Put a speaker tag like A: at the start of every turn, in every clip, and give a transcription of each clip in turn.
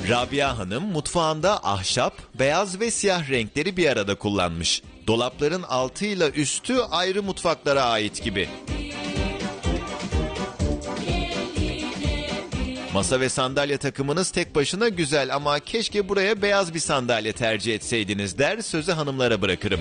A: Rabia Hanım mutfağında ahşap, beyaz ve siyah renkleri bir arada kullanmış. Dolapların altı ile üstü ayrı mutfaklara ait gibi. Masa ve sandalye takımınız tek başına güzel ama keşke buraya beyaz bir sandalye tercih etseydiniz der, sözü hanımlara bırakırım.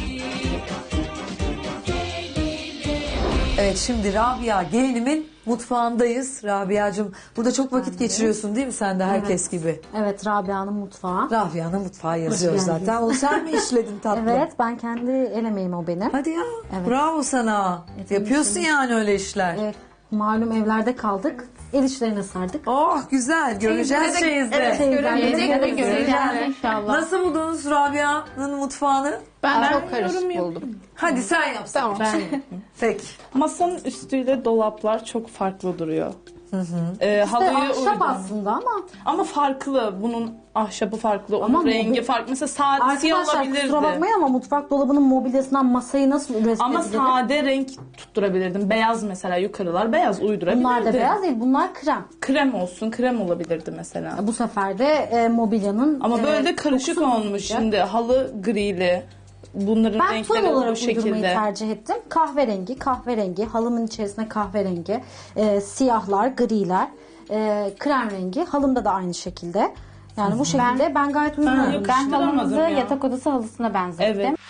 B: Evet, şimdi Rabia gelinimin mutfağındayız. Rabia'cığım burada çok vakit geçiriyorsun değil mi sen de herkes gibi?
C: Evet, Rabia'nın mutfağı.
B: Rabia'nın mutfağı yazıyor
C: geldiniz.
B: zaten. Onu sen mi işledin tatlım?
C: Evet, ben kendi el emeğim o benim.
B: Hadi ya.
C: Evet.
B: Bravo sana. Yapıyorsun yani öyle işler.
C: Malum evlerde kaldık. El işlerine sardık.
B: Oh güzel. Göreceğiz şeyizde.
C: Teyzemle de göreceğiz
D: inşallah.
B: Nasıl buldunuz Rabia'nın mutfağını?
D: Ben çok karışık buldum.
B: Hadi sen yapsana.
D: Tamam.
B: Peki.
E: Masanın üstüyle dolaplar çok farklı duruyor. Halıyı
C: Ahşap aslında
E: ama farklı. Bunun ahşabı farklı, onun
C: Ama
E: rengi farklı. Mesela sade siyah
C: arkadaşlar
E: olabilirdi.
C: kusura bakmayın ama mutfak dolabının mobilyasından masayı nasıl üretebilirim?
E: Ama sade renk tutturabilirdim. Beyaz mesela, yukarılar beyaz uydurabilirdim.
C: Bunlar da beyaz değil, bunlar krem.
E: Krem olsun, krem olabilirdi mesela.
C: Bu sefer de mobilyanın...
E: Ama böyle de karışık
C: dokusu
E: olmuş
C: olacak.
E: şimdi. Halı grili. Bunların
C: Ben ton
E: renkleri bu
C: olarak uydurmayı
E: şekilde.
C: tercih ettim. Kahverengi, halımın içerisine kahverengi, siyahlar, griler, krem rengi. Halımda da aynı şekilde. Yani bu şekilde ben gayet uygun buldum.
D: Ben
E: Yakıştıramadım
D: halımızı
E: ya.
D: yatak odası halısına benzettim.
E: Evet.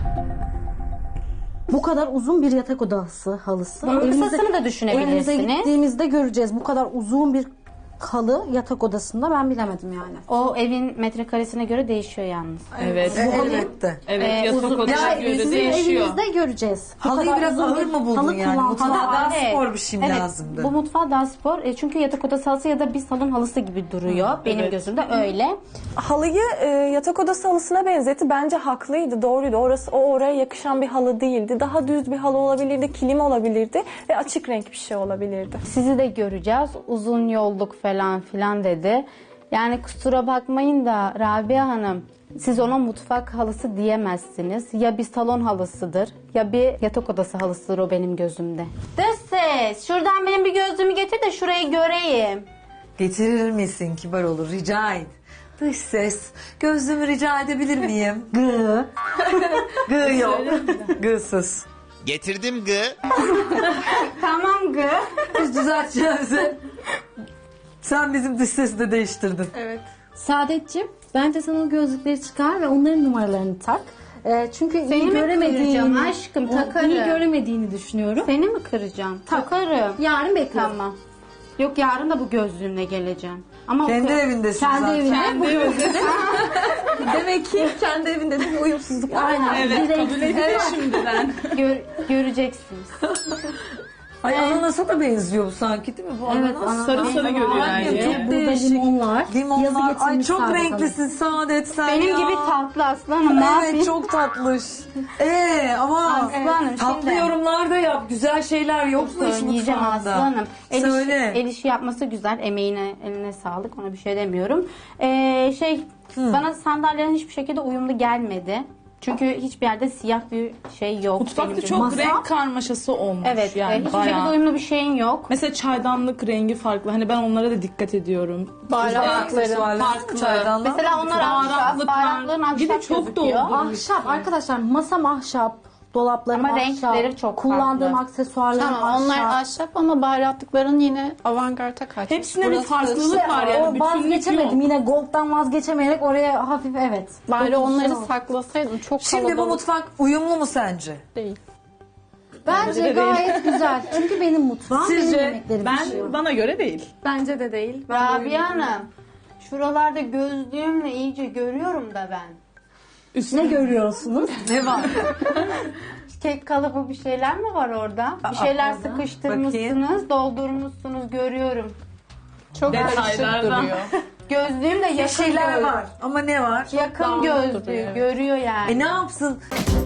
C: Bu kadar uzun bir yatak odası halısı.
D: Kısasını da
C: Evimize
D: düşünebilirsiniz.
C: gittiğimizde göreceğiz. Bu kadar uzun bir halı yatak odasında ben bilemedim yani.
D: O evin metrekaresine göre değişiyor yalnız.
E: Evet.
B: Elbette.
E: Evet, yatak
D: uzun-
E: odasına
C: Yani
E: göre
C: sizin
E: değişiyor.
C: evinizde göreceğiz. Bu
B: Halıyı
C: kadar
B: biraz
C: uzun
B: ağır
C: bir
B: mı buldun
C: halı
B: yani?
C: kullan-
B: Mutfağa
C: Halı-
B: daha
D: Evet.
B: spor bir şey
D: Evet,
B: lazımdı.
D: bu mutfağı daha spor. Çünkü yatak odası halısı ya da bir salon halısı gibi duruyor. Benim
E: evet.
D: gözümde öyle.
F: Halıyı yatak odası halısına benzetti. Bence haklıydı, doğruydu. Oraya yakışan bir halı değildi. Daha düz bir halı olabilirdi, kilim olabilirdi ve açık renk bir şey olabilirdi.
D: Sizi de göreceğiz. Uzun yolluk falan filan dedi. Yani kusura bakmayın da Rabia Hanım, siz ona mutfak halısı diyemezsiniz. Ya bir salon halısıdır ya bir yatak odası halısıdır o benim gözümde. Dış ses, şuradan benim bir gözlüğümü getir de şurayı göreyim.
B: Getirir misin? Kibar olur. Rica et. Dış ses. Gözlüğümü rica edebilir miyim? Gı. Gı yok. Gısız.
A: Getirdim gı.
D: Tamam gı.
B: Biz düzelteceğimizi. Sen bizim dış sesi de değiştirdin.
C: Saadetciğim, bence sen o gözlükleri çıkar ve onların numaralarını tak. Çünkü
D: Seni
C: iyi
D: mi
C: göremediğini,
D: kıracağım aşkım, takarım.
C: iyi göremediğini düşünüyorum.
D: Seni mi kıracağım? Takarım.
C: Yarın bekliyorum.
D: Tamam. Yok, yarın da bu gözlüğümle geleceğim. Ama
B: Kendi evindesin
C: Kendi
B: zaten.
C: evinde bu gözlükle. Demek ki kendi evinde de bir uyumsuzluk var.
D: aynen
E: Evet,
D: direkt
E: kabul edilir şimdiden.
D: göreceksiniz.
B: Ay ananasa da benziyor bu sanki değil mi? Bu
D: Evet,
B: ananas.
E: Sarı sarı görüyor
B: Ay,
E: bence.
B: çok
C: Burada
B: değişik.
C: limonlar. Yazı
B: Limonlar. Ay
C: getirmiş
B: çok
C: Saadet Hanım.
B: renklisin Saadet sen
D: Benim
B: ya.
D: gibi tatlı aslanım, ne yapayım?
B: Evet çok tatlış. ama
D: Aslanım,
B: tatlı
D: şimdi-
B: yorumlar da yap. Güzel şeyler yok mu hiç
D: Söyleyeceğim
B: mutfağında?
D: aslanım.
B: Söyle.
D: El işi yapması güzel. Eline sağlık. Ona bir şey demiyorum. Bana sandalyenin hiçbir şekilde uyumlu gelmedi. Çünkü hiçbir yerde siyah bir şey yok.
E: Mutfakta
D: benim
E: çok
D: gözümde.
E: renk karmaşası olmuş.
D: Evet.
E: yani
D: hiçbir
E: bayağı.
D: şekilde uyumlu bir şeyin yok.
E: Mesela çaydanlık rengi farklı. Hani ben onlara da dikkat ediyorum.
B: Aksesuarlar,
E: Farklı.
B: çaydanlar.
D: Mesela onlar ahşap. Bayraklığın ahşap
E: Bir de çok
D: gözüküyor.
E: doldurmuş.
C: Ahşap arkadaşlar, masam ahşap, dolaplarım
D: Ama
C: ahşap,
D: renkleri çok
C: kullandığım
D: farklı.
C: aksesuarlarım
G: Tamam, onlar
C: ahşap.
G: ahşap ama bayraklıkların yine avantgarda kaçmış.
E: Hepsinde bir farklılık
C: İşte
E: var yani.
C: o
E: bütünlük
C: vazgeçemedim.
E: yok.
C: Yine gold'dan vazgeçemeyerek oraya hafif evet.
G: Bari
C: Dokusu
G: onları
C: var.
G: saklasaydın çok
B: Şimdi bu
G: kalabalık
B: mutfak uyumlu mu sence?
G: değil.
C: Bence gayet güzel. Çünkü benim mutfağım,
B: Sizce?
C: benim yemeklerim pişiyor.
E: Bana göre değil.
F: Bence de değil.
D: Rabia Hanım. Şuralarda gözlüğümle iyice görüyorum da ben.
C: Ne görüyorsunuz?
B: Ne var?
D: Kek kalıbı bir şeyler mi var orada? Bir şeyler
B: orada.
D: sıkıştırmışsınız, doldurmuşsunuz, görüyorum.
G: Çok
E: Detaylardan.
D: Gözlüğüm de
B: Bir
D: yakın
B: şeyler
D: göz-
B: var ama ne var?
D: Yakın gözlüğü görüyor yani.
B: Ne yapsın?